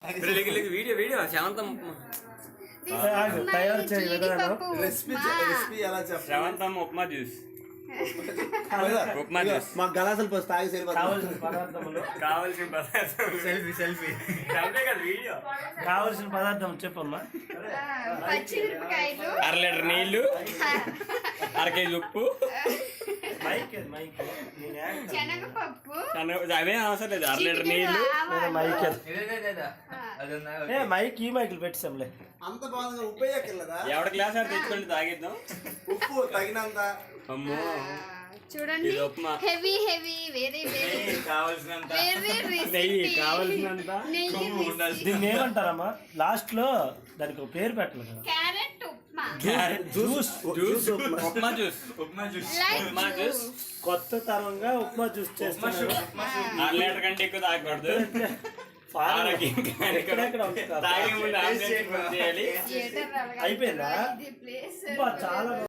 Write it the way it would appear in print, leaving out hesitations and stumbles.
Video శాంతం తయారు చేయ విధానం రెసిపీ ఎలా చెప్పాలి? శాంతం ఉప్మా జ్యూస్. ఉప్మా జ్యూస్ మా గలాసులు పోసి తాగి కావలసిన పదార్థములు కావాల్సిన పదార్థం. Selfie video. కావలసిన పదార్థం చెప్పమ్మా. పచ్చిమిరపకాయలు, 1/2 లీటర్ నీళ్లు, 1/2 కేజీ ఉప్పు, శనగపప్పు, అవే అవసరం లేదు. 1/2 లీటర్ నీళ్లు, మైక్ ఈ మైకులు పెట్టాంలే. అంత బాగుంది. ఉప్పు వేయక్కర్లేదా? ఎవడ గ్లాస్ అది తెచ్చుకోండి తాగిద్దాం. ఉప్పు తగినంత. అమ్మో చూడండి, ఇది ఉప్మా. హెవీ వెరీ కావాల్సినంత వెరీ నెయ్యి, కావాల్సినంత దీన్ని ఏమంటారమ్మా? లాస్ట్ లో దానికి ఒక పేరు పెట్టాలి కదా. Carrot upma, juice upma juice. Upma juice కొత్త తరంగా ఉప్మా జ్యూస్ చేస్తున్నారు. 1/2 లీటర్ కంటే ఎక్కువ తాగకూడదు. అయిపోయిందా? ఇది ప్లేస్ చాలా